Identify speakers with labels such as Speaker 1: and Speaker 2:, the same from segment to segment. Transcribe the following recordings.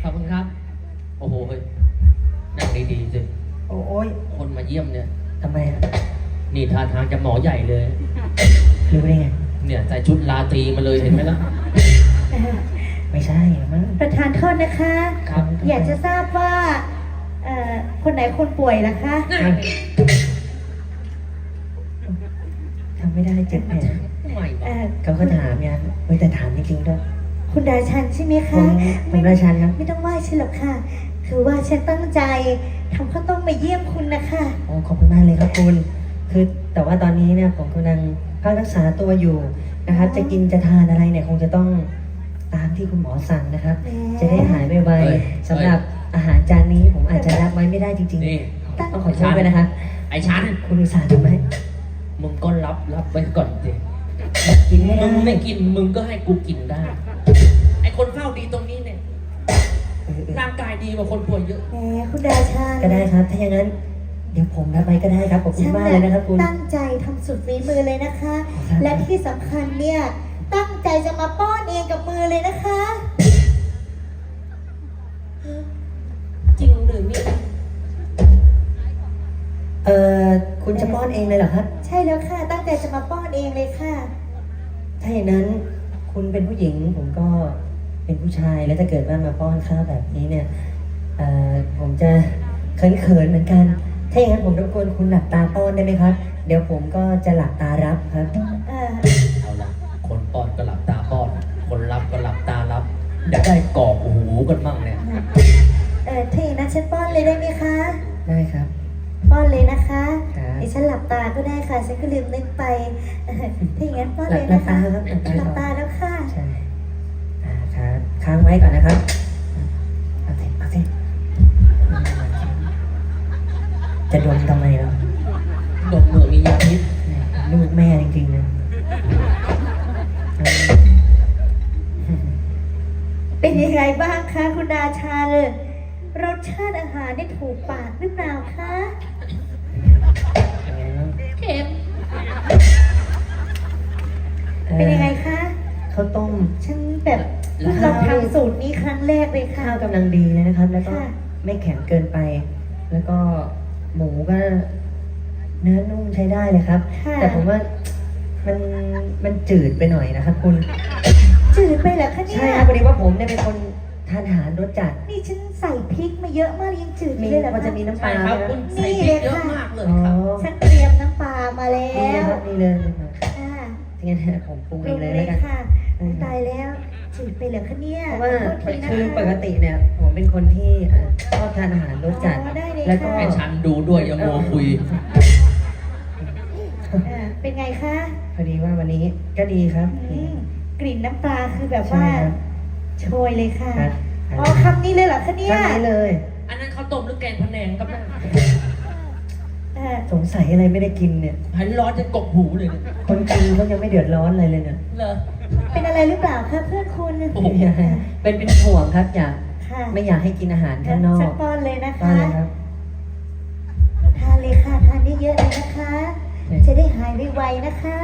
Speaker 1: ขอบคุณครับโอ้โหเฮ้ยนั่งดีๆสิ
Speaker 2: โอ้ย
Speaker 1: คนมาเยี่ยมเนี่ย
Speaker 2: ทำไมอ่ะ
Speaker 1: นี่ท่าทางจะหมอใหญ่เลย
Speaker 2: รู้ได้ไง
Speaker 1: เนี่ยใส่ชุดลาตรีมาเลยเห็นไหมล่ะ
Speaker 2: ไม่ใช่มั้ง
Speaker 3: ประธานโทษนะคะ
Speaker 1: ครับ
Speaker 3: อยากจะทราบว่าคนไหนคนป่วยล่ะคะ
Speaker 2: ทำไม่ได้เจ็บแผลเขาก็ถามเนี่ยแต่ถามจริงๆด้วย
Speaker 3: คุณราชันใช่ไหมคะ
Speaker 2: ผมราชันครับ
Speaker 3: ไม่ต้องไหว้ฉันหรอกค่ะคือว่าฉันตั้งใจทำข้าวต้มมาเยี่ยมคุณนะคะ
Speaker 2: โอ้ขอบคุณมากเลยครับคุณคือแต่ว่าตอนนี้เนี่ยผมกำลังพักรักษาตัวอยู่นะครับจะกินจะทานอะไรเนี่ยคงจะต้องตามที่คุณหมอสั่งนะครับจะได้หายไวๆสำหรับอาหารจานนี้ผมอาจจะรับไว้ไม่ได้จริงๆต้องขอโทษด้วยนะคะ
Speaker 1: ไอ้ฉัน
Speaker 2: คุณอุตส่าห์ทำไหม
Speaker 1: มึงก็รับไว้ก่อนสิ
Speaker 2: กินไม่ได้
Speaker 1: มึงไม่กินมึงก็ให้กูกินได้ไอ้คนเฝ้าดีตรงนี้เนี่ยร่างกายดีกว่าคนป่วยเยอะ
Speaker 3: แหมคุณราชัน
Speaker 2: ก็ได้ครับถ้าอย่างนั้นเดี๋ยวผมรับไว้ก็ได้ครับขอบคุณมากเลยนะครับคุณ
Speaker 3: ตั้งใจทำสุดฝีมือเลยนะคะและที่สำคัญเนี่ยตั้งใจจะมาป้อนเองกับมือเลยนะคะ
Speaker 1: จริงหรือไม่
Speaker 2: คุณจะป้อนเองเลยเหรอครับ
Speaker 3: ใช่แล้วค่ะตั้งใจจะมาป้อนเองเลยค่ะ
Speaker 2: ถ้าอย่างนั้นคุณเป็นผู้หญิงผมก็เป็นผู้ชายแล้วถ้าเกิดว่ามาป้อนข้าวแบบนี้เนี่ยผมจะเขินๆเหมือนกันถ้าอย่างนั้นผมรบกวนคุณหลับตาป้อนได้ไหมครับเดี๋ยวผมก็จะหลับตารับครับ
Speaker 1: เอาละคนป้อนก็หลับตาป้อนคนรับก็หลับตารับอยากได้กรอกหูกันมั่งเนี่ย
Speaker 3: ถ้าอย่างนั้นฉันป้อนเลยได้ไหมคะ
Speaker 2: ได้ครับ
Speaker 3: ป้อนเลยนะคะดิฉันหลับตาก็ได้ค่ะฉันก็ลืมนึกไปถ้าอย่างนั้นป้อนเลยนะคะหลับตาแล้วค่ะ
Speaker 2: ใช่ครับค้างไว้ก่อนนะครับเอาสิจะดมทำไมล่ะ
Speaker 1: ดมเหมือนมียาพิษ
Speaker 2: ลูกแม่จริงๆนะ
Speaker 3: เป็นยังไงบ้างคะคุณราชาเลยรสชาติอาหารได้ถูกปากหรือเปล่าคะ
Speaker 1: เค็ม
Speaker 3: เป็นยังไงคะ
Speaker 2: ข้าวต้ม
Speaker 3: ฉันแบบลองทำสูตรนี้ครั้งแรกเลยค่ะ
Speaker 2: ข้าวกำลังดีเลยนะครับแล้วก็ไม่แข็งเกินไปแล้วก็หมูก็เนื้อนุ่มใช้ได้เลยครับแต่ผมว่ามันจืดไปหน่อยนะครับคุณ
Speaker 3: จืดไปเหรอคะเนี่ย
Speaker 2: ใช่ครับพอดีว่าผมเนี่ยเป็นคนทานอาหารรสจัด
Speaker 3: นี่ฉันใส่พริกมาเยอะมากยังจืดเลยเหรอ
Speaker 2: มันจะมีน้ำปลา
Speaker 1: ครับคุณใส่พริกเยอะมากเลยครับ
Speaker 3: ฉันเตรียมน้ำปลามาแล้ว
Speaker 2: นี่เลย
Speaker 3: งั้
Speaker 2: นผมปรุงเองเลยแล้วกัน
Speaker 3: ค่ะตายแล้วจืดไปเหรอคะเนี่ย
Speaker 2: เพราะว่าคือปกติเนี่ยผมเป็นคนที่ชอบทานอาหารรสจัด
Speaker 3: แล้
Speaker 2: วก็
Speaker 1: ให้ฉันดูด้วยยังโมคุย
Speaker 3: เป็นไงคะ
Speaker 2: พอดีว่าวันนี้ก็ดีครับ
Speaker 3: กลิ่นน้ำปลาคือแบบว่าโชยเลยค่ะอ๋อคำนี้เลยเหรอคะเนี่ย
Speaker 2: คำนี้เลย
Speaker 1: อันนั้นเขาต้มหรือแกงพะแนงครับ
Speaker 2: สงสัยอะไรไม่ได้กินเนี่ย
Speaker 1: หันร้อนจะกบหูเลย
Speaker 2: คนกินเขายังไม่เดือดร้อนอะไรเลยเนี่ย
Speaker 1: เหรอ
Speaker 3: เป็นอะไรหรือเปล่าคะเพื่อนคุณ
Speaker 2: เป็นห่วงครับไม่อยากให้กินอาหารข้างนอก
Speaker 3: สักป้อนเลยนะคะทานเลยค่ะทานเยอะๆเลยนะคะจะได้หายไวๆนะคะ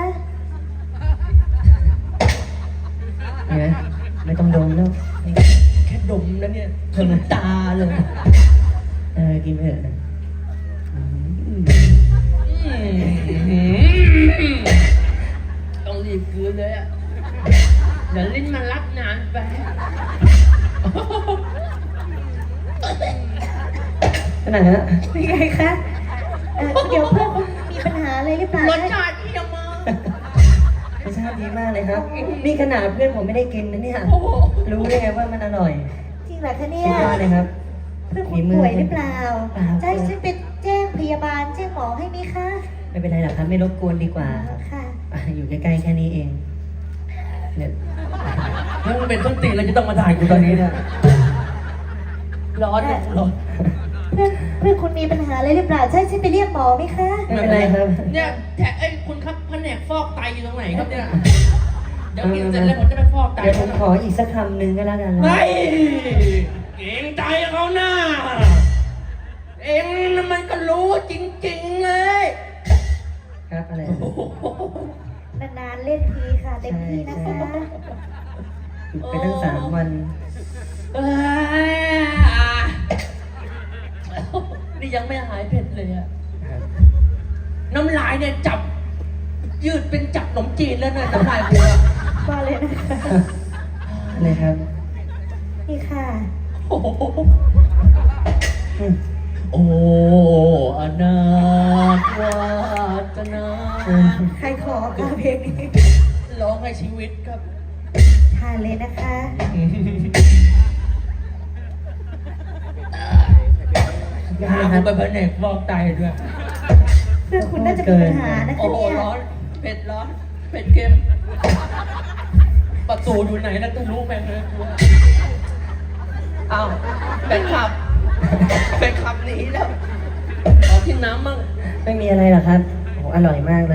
Speaker 2: เนี่ยไม่ต้องดมแล้ว
Speaker 1: แค่ดมแล้วเนี่ยถึงตาเลย
Speaker 2: กินเถอะ
Speaker 1: ต้องรีบคืนเลยอ่ะเดี๋ยวลิ้นมันรับนานไป
Speaker 2: ขนาดนั้น
Speaker 3: เป็นไงคะเดี๋ยวเพื่อนมีปัญหาอะไรหรือเปล่าร
Speaker 1: สชาติเยี่ยมมาก
Speaker 2: รสชาติดีมากเลยครับนี่ขนาดเพื่อนผมไม่ได้กินนะเนี่ยรู้ได้ไงว่ามันอร่อย
Speaker 3: จริงเหรอคะเนี่ย
Speaker 2: สุดยอดเลยครับ
Speaker 3: เพื่อนคุณป่วยหรือเปล่าจะให้ฉันไปแจ้งพยาบาลแจ้งหมอให้ไหมคะ
Speaker 2: ไม่เป็นไรหรอกครับไม่รบกวนดีกว่า
Speaker 3: ค่ะ
Speaker 2: อยู่ใกล้ๆแค่นี้เองเนี่ย
Speaker 1: ถ้ามันเป็นต้นตีเราจะต้องมาถ่ายกูตอนนี้เนี่ยร้อน
Speaker 3: เพื่อนคุณมีปัญหาอะไรหรือเปล่าใช่ฉันไปเรียกหมอไหมคะ
Speaker 2: ไม่เป็นไรครับ
Speaker 1: เนี่ยไอ้คุณครับแผนกฟอกไตอยู่ตรงไหนครับเนี่ยเดี๋ยวกินเสร็จแล้วผมจะไปฟอกไต
Speaker 2: เดี๋ยวผมขออีกสักคำหนึ่งก็แล้วกัน
Speaker 1: ไม่เก่งใจเขาหน้าเอ็งมันก็รู้จริงๆเลย
Speaker 2: ครับอะไร
Speaker 3: นานๆเล่นทีค่ะเต็มที่นะคะ
Speaker 2: หยุดไปตั้ง3 วัน
Speaker 1: นี่ยังไม่หายเผ็ดเลยอะน้ำลายเนี่ยจับยืดเป็นจับขนมจีนแล้วเนี่ยน้ำลายกูอะ
Speaker 3: มาเลยนะคะ
Speaker 2: เลยครับ
Speaker 3: นี่ค่ะ
Speaker 1: โอ้โห
Speaker 2: อืม
Speaker 1: โอ้อนาถวาสนา
Speaker 3: ใครขอค่ะเพลงนี้
Speaker 1: ร้องให้ชีวิตครับ
Speaker 3: ทานเลยนะคะ
Speaker 1: ยาคุณไปแผนกฟอกไตด้วย
Speaker 3: เพื่อนคุณน่าจะมีปัญหานะ
Speaker 1: โอ้
Speaker 3: คะ
Speaker 1: โห
Speaker 3: เนี่ย
Speaker 1: ร้อนเผ็ดร้อนเผ็ดเค็มประตูอยู่ไหนนะก็รู้แม่งเลยอ้าวเป็นขับเป็นขับหนีแล้วขอกินน้ำมั่ง
Speaker 2: ไม่มีอะไรหรอกครับโอ้อร่อยมากเลย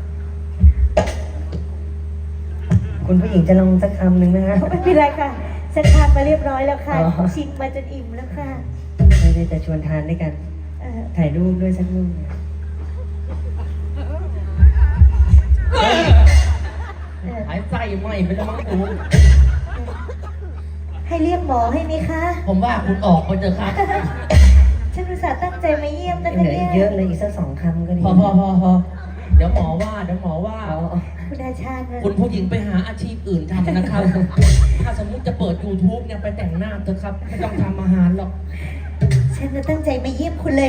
Speaker 2: คุณผู้หญิงจะลองสักคำหนึ่งนะฮะ
Speaker 3: ไม่เป็นไรค่ะฉันทานมาเรียบร้อยแล้วค่ะ
Speaker 2: อ๋อ
Speaker 3: ชิมมาจนอิ่มแล้วค่ะ
Speaker 2: ไม่ได้จะชวนทานด้วยกัน ถ่ายรูปด้วยสักรูป
Speaker 1: หายใจไหมไปแล้วมั้งกู
Speaker 3: ให้เรียกหมอให้ไหมคะ
Speaker 1: ผมว่าคุณออกไปเถอะครับ
Speaker 3: ฉันอุตส่าห์ตั้งใจมาเยี่ยมนะ
Speaker 2: เห
Speaker 3: คะ
Speaker 2: ลือ
Speaker 3: เนี่
Speaker 2: อีกเยอะเลยอีกสัก2 คำก็ดี
Speaker 1: พอเดี๋ยวหมอว่าเดี๋ยวหมอว่า
Speaker 2: เอา
Speaker 3: คุณอาชาญนะ
Speaker 1: คุณผู้หญิงไปหาอาชีพอื่นทำนะครับ ถ้าสมมุติจะเปิด YouTube เนี่ยไปแต่งหน้าเถอะครับ ไม่ต้องทำอาหารหรอก
Speaker 3: ฉันจะตั้งใจมาเยี่ยมคุณเลย